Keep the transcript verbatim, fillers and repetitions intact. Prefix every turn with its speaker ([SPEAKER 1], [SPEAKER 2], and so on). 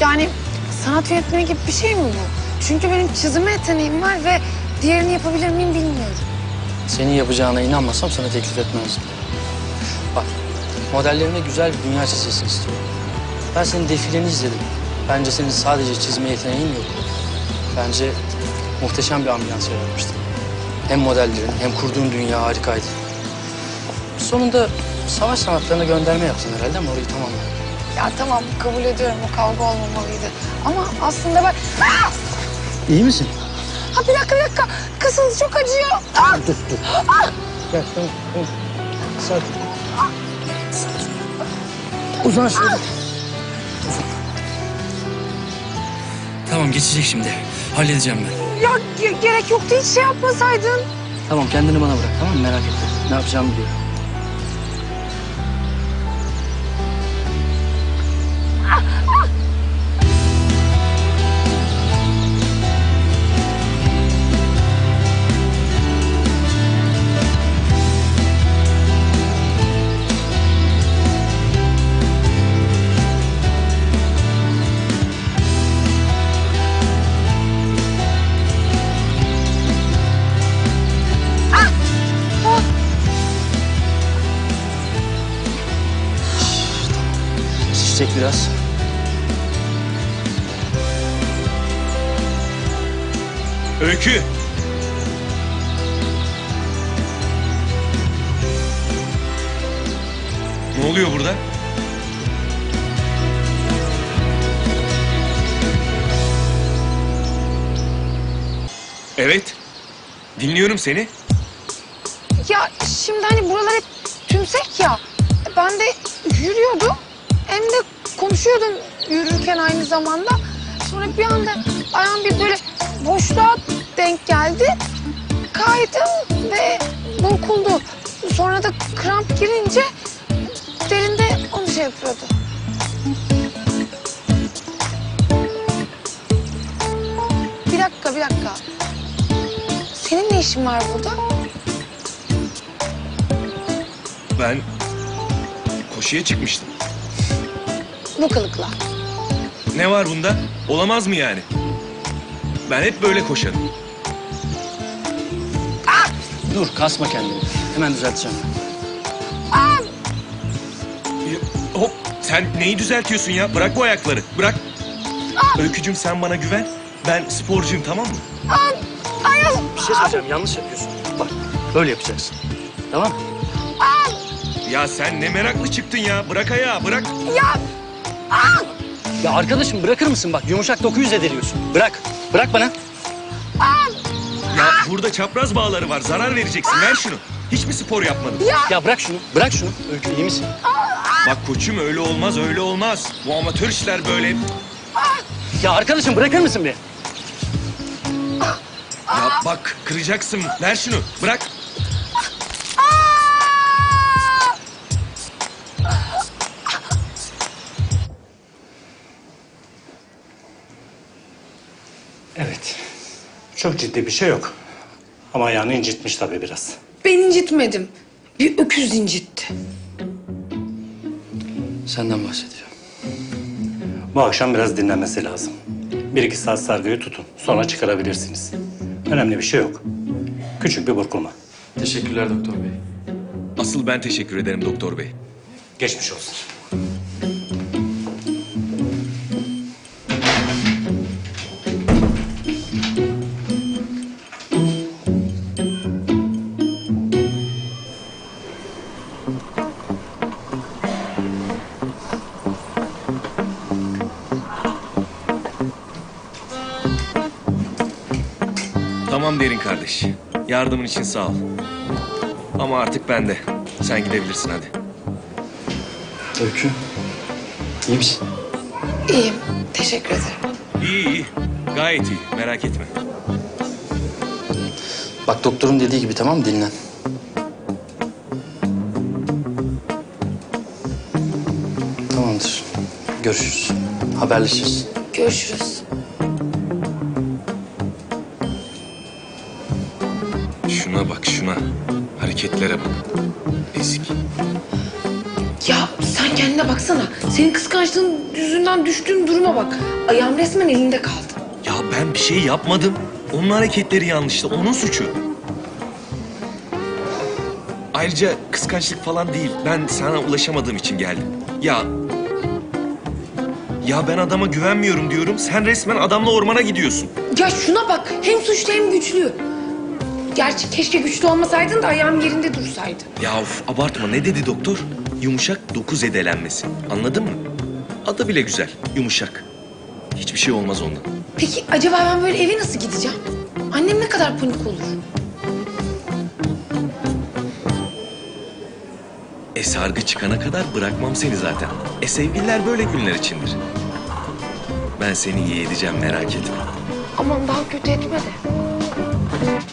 [SPEAKER 1] Yani sanat yönetmeni gibi bir şey mi bu? Çünkü benim çizime yeteneğim var ve diğerini yapabilir miyim bilmiyorum.
[SPEAKER 2] Senin yapacağına inanmasam sana teklif etmezdim. Bak, modellerine güzel bir dünya çizilsin istiyorum. Ben senin defileni izledim. Bence senin sadece çizme yeteneğin yok. Bence muhteşem bir ambiyans yaratmıştın. Hem modellerin hem kurduğun dünya harikaydı. Sonunda savaş sanatlarına gönderme yaptın herhalde ama orayı tamamla.
[SPEAKER 1] Ya tamam, kabul ediyorum, o kavga olmamalıydı. Ama aslında ben... Ah!
[SPEAKER 2] İyi misin?
[SPEAKER 1] Ha bir dakika, bir dakika. Kasıldı, çok acıyor. Ah!
[SPEAKER 2] Dur, dur.
[SPEAKER 1] Ah!
[SPEAKER 2] Gel, tamam, tamam. Sakin. Uzan şöyle. Tamam, geçecek şimdi. Halledeceğim ben.
[SPEAKER 1] Ya ge- gerek yoktu, hiç şey yapmasaydın.
[SPEAKER 2] Tamam, kendini bana bırak, tamam mı? Merak etme. Ne yapacağımı biliyorum. Şişecek biraz.
[SPEAKER 3] Öykü! Ne oluyor burada? Evet. Dinliyorum seni.
[SPEAKER 1] Ya şimdi hani buralar hep tümsek ya. Ben de yürüyordum. Hem de konuşuyordum yürürken aynı zamanda. Sonra bir anda ayağım bir böyle boşluğa denk geldi. Kaydım ve burkuldu. Sonra da kramp girince derinde onu şey yapıyordu. Bir dakika, bir dakika. Senin ne işin var burada?
[SPEAKER 3] Ben koşuya çıkmıştım.
[SPEAKER 1] Bu kılıkla.
[SPEAKER 3] Ne var bunda? Olamaz mı yani? Ben hep böyle koşarım.
[SPEAKER 2] Dur, kasma kendini. Hemen düzelteceğim.
[SPEAKER 3] Ya, hop, sen neyi düzeltiyorsun ya? Bırak bu ayakları, bırak. Öykücüm sen bana güven. Ben sporcuyum, tamam mı?
[SPEAKER 2] Bir şey söyleyeceğim, yanlış yapıyorsun. Bak, böyle yapacaksın. Tamam mı?
[SPEAKER 3] Ya sen ne meraklı çıktın ya. Bırak ayağı, bırak.
[SPEAKER 1] Ya
[SPEAKER 2] Ya arkadaşım bırakır mısın? Bak, yumuşak dokuyu zedeliyorsun. Bırak, bırak bana.
[SPEAKER 3] Ya burada çapraz bağları var. Zarar vereceksin. Ver şunu. Hiç mi spor yapmadın?
[SPEAKER 2] Ya bırak şunu, bırak şunu. Öykü, iyi misin?
[SPEAKER 3] Bak koçum öyle olmaz, öyle olmaz. Bu amatör işler böyle.
[SPEAKER 2] Ya arkadaşım bırakır mısın bir?
[SPEAKER 3] Ya bak kıracaksın. Ver şunu. Bırak.
[SPEAKER 4] Evet. Çok ciddi bir şey yok. Ama ayağını incitmiş tabii biraz.
[SPEAKER 1] ben incitmedim. Bir öküz incitti.
[SPEAKER 2] Senden bahsediyor.
[SPEAKER 4] Bu akşam biraz dinlenmesi lazım. Bir iki saat sargıyı tutun. Sonra çıkarabilirsiniz. Önemli bir şey yok. Küçük bir burkulma.
[SPEAKER 2] Teşekkürler doktor bey.
[SPEAKER 3] Asıl ben teşekkür ederim doktor bey.
[SPEAKER 4] Geçmiş olsun.
[SPEAKER 3] Tamam Derin kardeş. Yardımın için sağ ol. Ama artık ben de. Sen gidebilirsin hadi.
[SPEAKER 2] Öykü, iyi misin?
[SPEAKER 1] İyiyim, teşekkür ederim.
[SPEAKER 3] İyi iyi. Gayet iyi. Merak etme.
[SPEAKER 2] Bak doktorun dediği gibi, tamam mı? Dinlen. Tamamdır. Görüşürüz. Haberleşiriz.
[SPEAKER 1] Görüşürüz.
[SPEAKER 3] Şuna bak şuna. Hareketlere bak. Ezik.
[SPEAKER 1] Ya sen Sen kendine baksana. Senin kıskançlığın yüzünden düştüğün duruma bak. Ayağım resmen elinde kaldı.
[SPEAKER 3] Ya ben bir şey yapmadım. Onun hareketleri yanlıştı. Onun suçu. Ayrıca kıskançlık falan değil. Ben sana ulaşamadığım için geldim. Ya... Ya ben adama güvenmiyorum diyorum. Sen resmen adamla ormana gidiyorsun.
[SPEAKER 1] Ya şuna bak. Hem suçlu hem güçlü. Gerçi keşke güçlü olmasaydın da ayağım yerinde dursaydı.
[SPEAKER 3] Ya of, abartma. Ne dedi doktor? Yumuşak doku zedelenmesi. Anladın mı? Adı bile güzel. Yumuşak. Hiçbir şey olmaz ondan.
[SPEAKER 1] Peki acaba ben böyle eve nasıl gideceğim? Annem ne kadar panik olur?
[SPEAKER 3] E sargı çıkana kadar bırakmam seni zaten. E sevgililer böyle günler içindir. Ben seni iyi edeceğim, merak etme.
[SPEAKER 1] Aman daha kötü etme de.